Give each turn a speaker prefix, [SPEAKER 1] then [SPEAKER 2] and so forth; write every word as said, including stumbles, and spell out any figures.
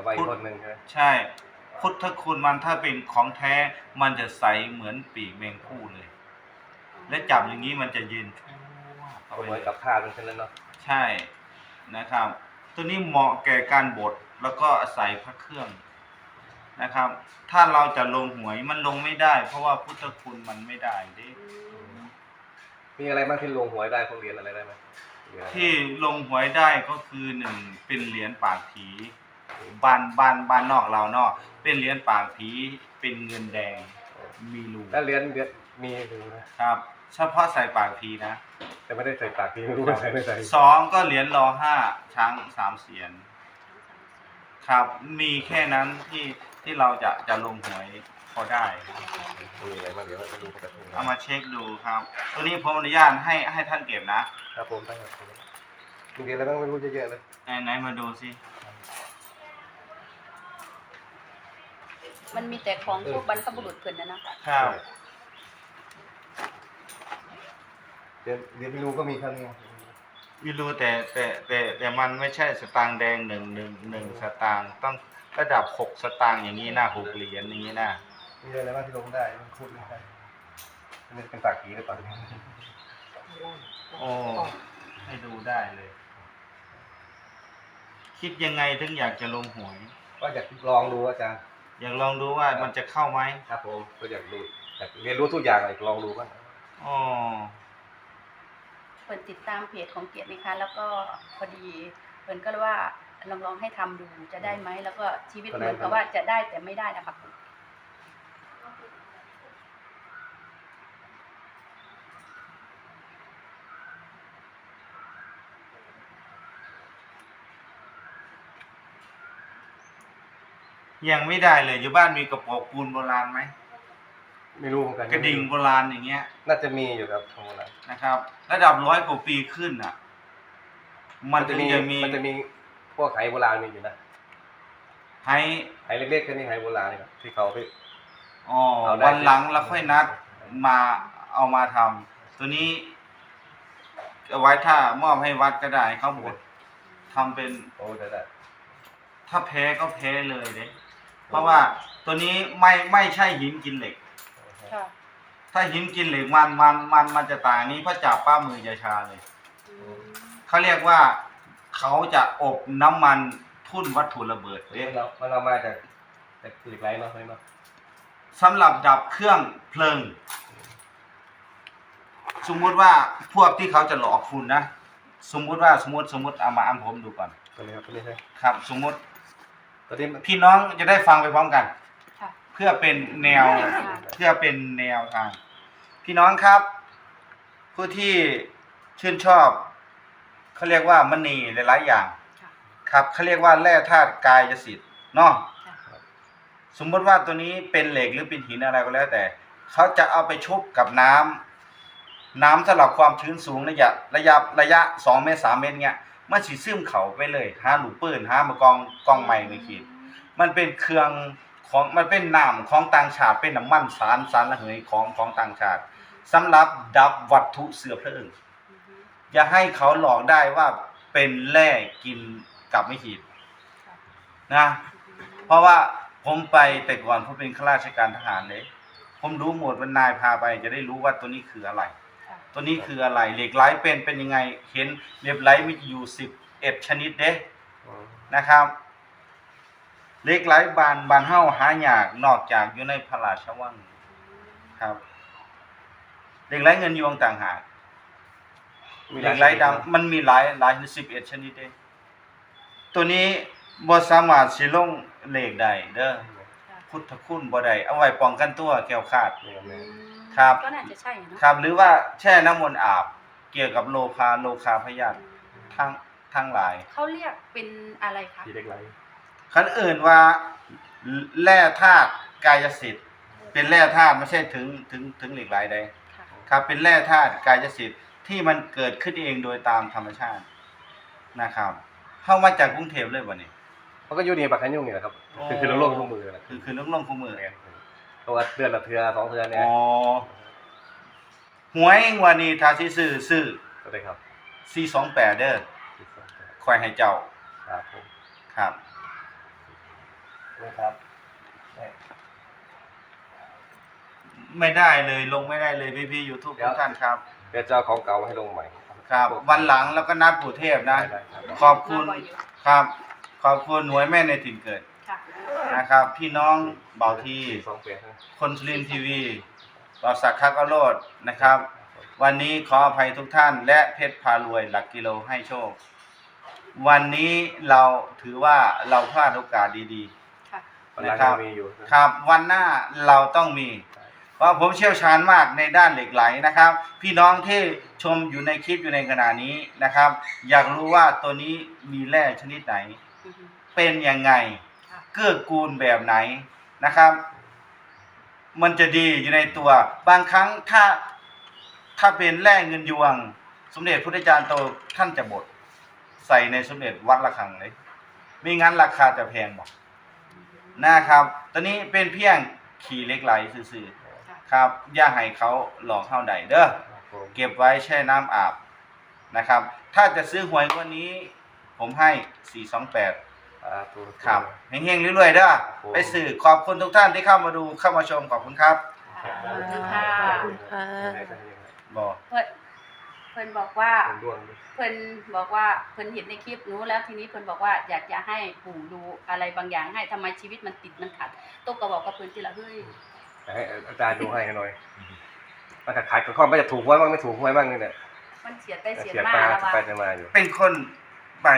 [SPEAKER 1] เอาไว้อีกคนหนึ่งใช่ไหม
[SPEAKER 2] ใช่พุทธคุณมันถ้าเป็นของแท้มันจะใสเหมือนปีกแมงผู้เลยและจับอย่างนี้มันจะยืน
[SPEAKER 1] เอาไว้กับผ้าเป็นเช่นนั้นเนาะ
[SPEAKER 2] ใช่นะครับตัวนี้เหมาะแก่การบดแล้วก็ใส่พระเครื่องนะครับถ้าเราจะลงหวยมันลงไม่ได้เพราะว่าพุทธคุณมันไม่ได้ดิ
[SPEAKER 1] มีอะไรบ้างที่ลงหวยได้พวกเหรียญอะไรได้ไหม
[SPEAKER 2] ที่ลงหวยได้ก็คือหนึ่งเป็นเหรียญปากผีบ้านบ้านบ้านนอกเราเนาะเป็นเหรียญปากผีเป็นเงินแดงมีรู
[SPEAKER 1] แล้วเหรียญเหรียญมีรู
[SPEAKER 2] นะครับเฉพาะใส่ปากผีนะ
[SPEAKER 1] แต่ไม่ได้ใส่ปากผีไม่รู้ว่าใส่ไม่ใส่
[SPEAKER 2] สองก็เหรียญรอห้าช้างสามเสียนครับมีแค่นั้นที่ที่เราจะจะลงหวยพอได้
[SPEAKER 1] มีอะไรบ้างเดี๋ยวเราดูกัน
[SPEAKER 2] เอามาเช็คดูครับตัวนี้ผมอนุญาตให้ให้ท่านเก็บนะครับ
[SPEAKER 1] ผมตั้งแต่มีเหรียญอะไรบ้างไม่รู้เยอะๆเลย
[SPEAKER 2] ไหนไหนมาดูสิ
[SPEAKER 3] มันมีแต่ของพวกบรรพบุรุษเพิ่นนะนะคะ
[SPEAKER 2] ครับ
[SPEAKER 1] เดี๋ยวเดี๋ยวไม่รู้ก็มีเท่านี้
[SPEAKER 2] ไม่รู้แต่แต่แต่แต่มันไม่ใช่สตางค์แดงหนึ่งหนึ่งหนึ่งสตางค์ต้องระดับหกสตางค์อย่างนี้นะหกเหรียญอย่างนี้นะ
[SPEAKER 1] มีอะไรบ้างที่ลงได้มันคุดไม่ได้นี่เป็นปากผีหรือเปล่า
[SPEAKER 2] โอ้ให้ดูได้เลยคิดยังไงถึงอยากจะลงหวย
[SPEAKER 1] ก็อยากลองดูอาจารย์
[SPEAKER 2] อยากลองดูว่ามันจะเข้าไหม
[SPEAKER 1] ครับผมก็อยากดูอยากเรียนรู้ทุกอย่างอยากลองดูบ้าง
[SPEAKER 2] อ๋อ
[SPEAKER 3] เพิ่นติดตามเพจของเกียรตินะคะแล้วก็พอดีเพิ่นก็เลยว่าลองลองให้ทำดูจะได้ไหมแล้วก็ชีวิตเหมือนกับว่าจะได้แต่ไม่ได้นะคะ
[SPEAKER 2] ยังไม่ได้เลยอยู่บ้านมีกระป๋องปูนโบราณไหม
[SPEAKER 1] ไม่รู้เหมือนกัน
[SPEAKER 2] กระดิ่งโบราณอย่างเงี้ย
[SPEAKER 1] น่าจะมีอยู่ครับทางโบราณ
[SPEAKER 2] นะครับระดับร้อยกว่าปีขึ้นอ่ะมันจะมี
[SPEAKER 1] มันจะมีพวกไหโบราณมีอยู่นะ
[SPEAKER 2] ไห
[SPEAKER 1] ไหเล็กๆแค่นี้ไหโบราณนี่ครับที่เขาไป
[SPEAKER 2] อ๋อวันหลังเราค่อยนัดมาเอามาทำตัวนี้เอาไว้ถ้ามอบให้วัดก็ได้เขาบดทำเป็น
[SPEAKER 1] โอ้ได้ได้
[SPEAKER 2] ถ้าแพ้ก็แพ้เลยเด้เพราะว่าตัวนี้ไม่ไม่ใช่หินกินเหล็กถ้าหินกินเหล็กมันมันมันมันจะต่างนี้เพราะจับป้ามือจะชาเลยเขาเรียกว่าเขาจะอบน้ำมันทุ่นวัตถุระเบิดเด้
[SPEAKER 1] เรามันเรามาจากจากเหล็กไหลเนาะเนาะ
[SPEAKER 2] สำหรับดับเครื่องเพลิงสมมุติว่าพวกที่เขาจะหลอกคุณนะสมมุติว่าสมมติสมมติเอามาอ่านผมดูก่อน
[SPEAKER 1] ตัวนี้ครับตัวนี้ใช่
[SPEAKER 2] ครับสมมติ
[SPEAKER 1] ตัวนี้
[SPEAKER 2] พี่น้องจะได้ฟังไปพร้อมกันเพื่อเป็นแนวเพื่อเป็นแนวทางพี่น้องครับผู้ที่ชื่นชอบเขาเรียกว่ามณีหลายๆอย่างครับเขาเรียกว่าแร่ธาตุกายสิทธิ์เนาะสมมติว่าตัวนี้เป็นเหล็กหรือเป็นหินอะไรก็แล้วแต่เขาจะเอาไปชุบกับน้ำน้ำสำหรับความชื้นสูงระยะระยะระยะสองเมตรสามเมตรเงี้ยมันสิซึมเข้าไปเลยหาหลูปืนหามากองกองใหม่ไม่คิดมันเป็นเครื่องของมันเป็นน้ำของต่างชาติเป็นน้ำมันสารสารระเหยของของต่างชาติสำหรับดับวัตถุเสือเพลิงอย่าให้เขาหลอกได้ว่าเป็นแร่กินกับไม่ขีดนะเพราะว่าผมไปแต่ก่อนผมเป็นข้าราชการทหารเลยผมรู้หมดว่านายพาไปจะได้รู้ว่าตัวนี้คืออะไรตัวนี้คืออะไรเหล็กไหลเป็นเป็นยังไงเห็นเหล็กไหลมีอยู่สิบเอ็ดชนิดเด้นะครับเหล็กไหลบานบานเฮ้าหายากนอกจากอยู่ในพระราชวังครับเหล็กไหลเงินยวงต่างหากเหล็กไหลดำมันมีหลายหลายสิบเอ็ดชนิดเด้ตัวนี้บ่สามารถสิลงเลขได้เด้อพุทธคุณบ่ได้เอาไว้ป้องกันตัวแก้วขาดครับ
[SPEAKER 3] ก็น่าจะใช่เนาะ
[SPEAKER 2] ครับหรือว่าแช่น้ำมนต์อาบเกี่ยวกับโลคาโลคาพยาธิทั้งทั้งหลาย
[SPEAKER 3] เขาเรียกเป็นอะไรคะ
[SPEAKER 1] เหล็กไหล
[SPEAKER 2] คันอื่นว่าแร่ธาตุกายสิทธิ์เป็นแร่ธาตุไม่ใช่ถึงถึงถึงเหล็กไหลใดครับเป็นแร่ธาตุกายสิทธิ์ที่มันเกิดขึ้นเองโดยตามธรรมชาตินะครับเข้ามาจากกรุงเทพเลยบ่นี่
[SPEAKER 1] เขาก็อยู่นี่ปากขันยุ่งนี่แหละครับคือคือลงลงมือ
[SPEAKER 2] คือคือลงลงคู่มือ
[SPEAKER 1] เพราะว่าเดือนละเทือสองเทือเนี่ย
[SPEAKER 2] อ๋อหวยวันนี้ถ้าสิซื้อซื้อ
[SPEAKER 1] ก็ได้ครับ
[SPEAKER 2] สี่สองแปดเด้อคอยให้เจ้า
[SPEAKER 1] ครับผม
[SPEAKER 2] ครับ
[SPEAKER 1] นะครับเนี่ย
[SPEAKER 2] ไม่ได้เลยลงไม่ได้เลยพี่พี่ยูทูบทุกท่านครับ
[SPEAKER 1] เดี๋ยวจะเอาของเก่ามาให้ลงใหม่
[SPEAKER 2] ครับ วันหลังแล้วก็นัดปู่เทพนะ
[SPEAKER 1] ได้ครับ
[SPEAKER 2] ขอบคุณครับ ขอบคุณหน่วยแม่ในถิ่นเกิด
[SPEAKER 3] ค่ะ
[SPEAKER 2] นะครับ พี่น้องเบาที
[SPEAKER 1] สองเปลี่ยนนะ
[SPEAKER 2] คนสุรินทร์ทีวีบาสักคักอโรดนะครับ วันนี้ขออภัยทุกท่าน และเพชรพารวยหลักกิโลให้โชค วันนี้เราถือว่าเราพลาดโอกาสดี
[SPEAKER 3] ค่ะ
[SPEAKER 1] วันหลังยังมีอยู่นะ
[SPEAKER 2] ๆ ครับ วันหน้าเราต้องมี เพราะผมเชี่ยวชาญมากในด้านเหล็กไหลนะครับ พี่น้องที่ชมอยู่ในคลิปอยู่ในขณะนี้นะครับ อยากรู้ว่าตัวนี้มีแร่ชนิดไหน
[SPEAKER 3] อือฮึ
[SPEAKER 2] เป็นยังไง
[SPEAKER 3] ค่ะ
[SPEAKER 2] เกื้อกูลแบบไหนนะครับ มันจะดีอยู่ในตัว บางครั้งถ้าถ้าเป็นแร่เงินยวง สมเด็จพุทธจารย์โตท่านจะบดใส่ในสมเด็จวัดระฆังเลยไม่งั้นราคาจะแพงบอกนะครับตอนนี้เป็นเพียงขี่เหล็กไหลซื่อๆครับอย่าให้เขาหลอกเข้าใดเด้อ
[SPEAKER 1] ครับผม
[SPEAKER 2] เก็บไว้แช่น้ำอาบนะครับ ถ้าจะซื้อหวยงวันนี้ ผมให้สี่สองแปด
[SPEAKER 1] อ่าตัว
[SPEAKER 2] ครับเฮงๆเรื่อยๆเด้อไปสื่อขอบคุณทุกท่านที่เข้ามาดูเข้ามาชมขอบคุณครับ
[SPEAKER 3] ขอบคุณค่ะ
[SPEAKER 2] บอก
[SPEAKER 3] เพิ่นเพิ่นบอกว่า
[SPEAKER 1] เป็นดวงด้วย
[SPEAKER 3] เพิ่นบอกว่าเพิ่นเห็นในคลิปหนูแล้วทีนี้เพิ่นบอกว่าอยากจะให้ปู่ดูอะไรบางอย่างให้ทำไมชีวิตมันติดมันขัดตุ๊กก็บอกกับเพิ่นทีละเฮ้ย
[SPEAKER 1] ให้อาจารย์ดูให้หน่อยมันขายกับข้อไม่จะถูกหวยบ้างไม่ถูกหวยบ้างนี่แหละ
[SPEAKER 3] มันเสียไปเสีย
[SPEAKER 1] เสีย
[SPEAKER 3] มา
[SPEAKER 1] ตา
[SPEAKER 3] แล้วว่า
[SPEAKER 1] ไปจะมาอยู่
[SPEAKER 2] เป็นคน